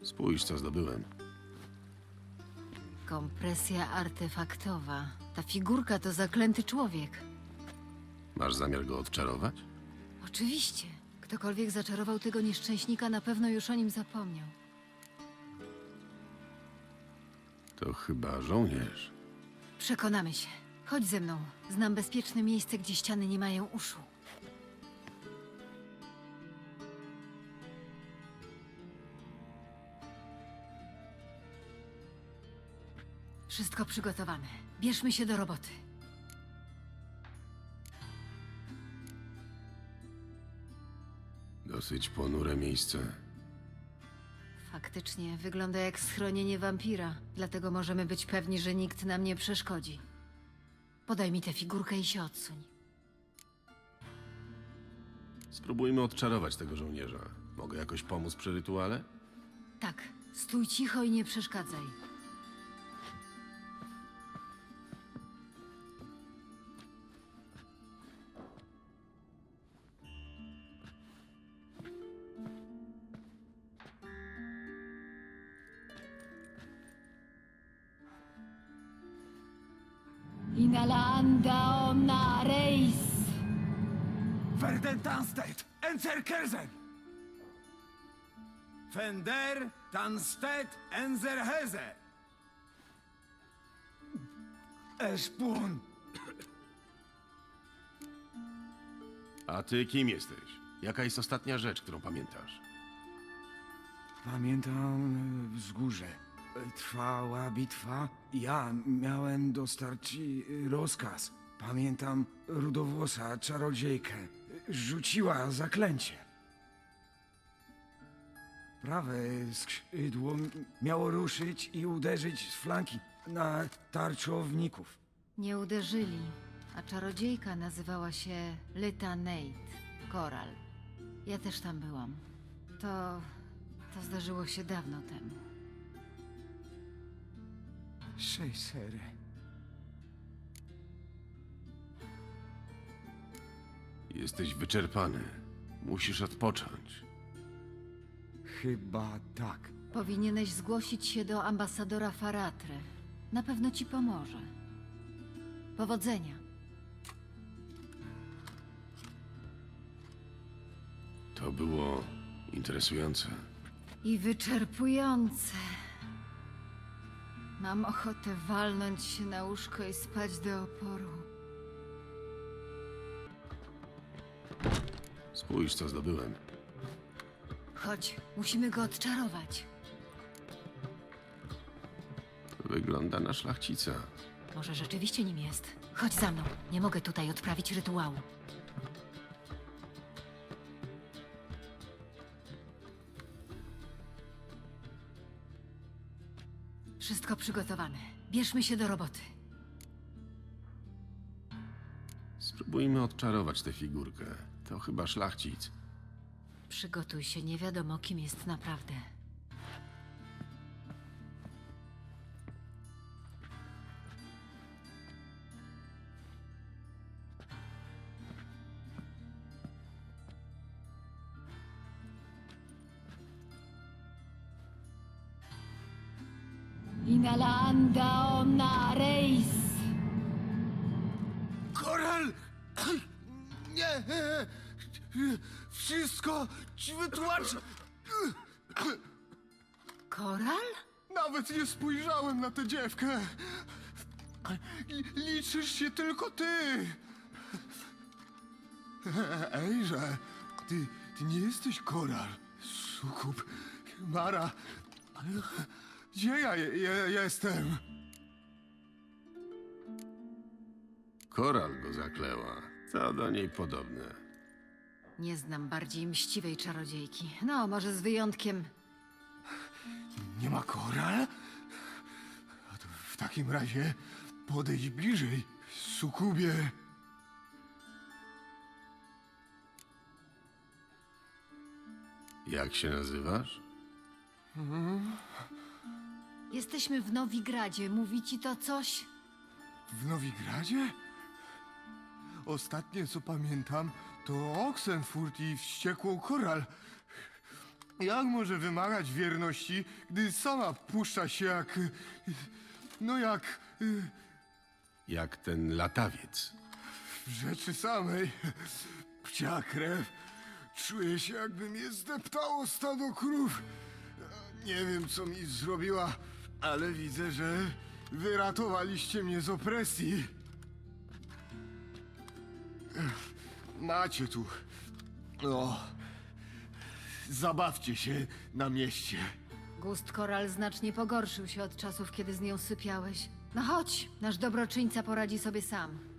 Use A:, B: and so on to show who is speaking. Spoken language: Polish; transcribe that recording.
A: Spójrz, co zdobyłem.
B: Kompresja artefaktowa. Ta figurka to zaklęty człowiek.
A: Masz zamiar go odczarować?
B: Oczywiście. Ktokolwiek zaczarował tego nieszczęśnika, na pewno już o nim zapomniał.
A: To chyba żołnierz.
B: Przekonamy się. Chodź ze mną. Znam bezpieczne miejsce, gdzie ściany nie mają uszu. Wszystko przygotowane. Bierzmy się do roboty.
A: Dosyć ponure miejsce.
B: Faktycznie wygląda jak schronienie wampira, dlatego możemy być pewni, że nikt nam nie przeszkodzi. Podaj mi tę figurkę i się odsuń.
A: Spróbujmy odczarować tego żołnierza. Mogę jakoś pomóc przy rytuale?
B: Tak, stój cicho i nie przeszkadzaj. Inalanda omna reis.
C: Verden Tanstedt, Enzer Kerzen! Fender Tanstedt Enzer Heze! Eszpun!
A: A ty kim jesteś? Jaka jest ostatnia rzecz, którą pamiętasz?
C: Pamiętam wzgórze. Trwała bitwa. Ja miałem dostarczyć rozkaz. Pamiętam rudowłosa czarodziejkę. Rzuciła zaklęcie. Prawe skrzydło miało ruszyć i uderzyć z flanki na tarczowników.
B: Nie uderzyli, a czarodziejka nazywała się Lyta Nate, Koral. Ja też tam byłam. To zdarzyło się dawno temu.
C: Szejsery.
A: Jesteś wyczerpany. Musisz odpocząć.
C: Chyba tak.
B: Powinieneś zgłosić się do ambasadora Faratre. Na pewno ci pomoże. Powodzenia.
A: To było interesujące.
B: I wyczerpujące. Mam ochotę walnąć się na łóżko i spać do oporu.
A: Spójrz, co zdobyłem.
B: Chodź, musimy go odczarować.
A: To wygląda na szlachcica.
B: Może rzeczywiście nim jest. Chodź za mną. Nie mogę tutaj odprawić rytuału. Wszystko przygotowane. Bierzmy się do roboty.
A: Spróbujmy odczarować tę figurkę. To chyba szlachcic.
B: Przygotuj się, nie wiadomo kim jest naprawdę. Inalanda omna reis.
C: Koral! Nie! Wszystko ci wytłumaczę!
B: Koral?
C: Nawet nie spojrzałem na tę dziewkę! Liczysz się tylko ty! Ejże, ty nie jesteś Koral, sukub, Mara. Gdzie ja jestem?
A: Koral go zakleła. Co do niej podobne.
B: Nie znam bardziej mściwej czarodziejki. No, może z wyjątkiem...
C: Nie ma Koral? A to w takim razie podejdź bliżej, sukubie.
A: Jak się nazywasz?
B: Jesteśmy w Nowigradzie. Mówi ci to coś?
C: W Nowigradzie? Ostatnie co pamiętam to Oxenfurt i wściekłą Koral. Jak może wymagać wierności, gdy sama puszcza się jak... No jak...
A: Jak ten latawiec.
C: w rzeczy samej. Pcia krew. Czuję się, jakby mnie zdeptało stado krów. Nie wiem, co mi zrobiła, ale widzę, że wyratowaliście mnie z opresji. Macie tu. O. Zabawcie się na mieście.
B: Gust Koral znacznie pogorszył się od czasów, kiedy z nią sypiałeś. No chodź, nasz dobroczyńca poradzi sobie sam.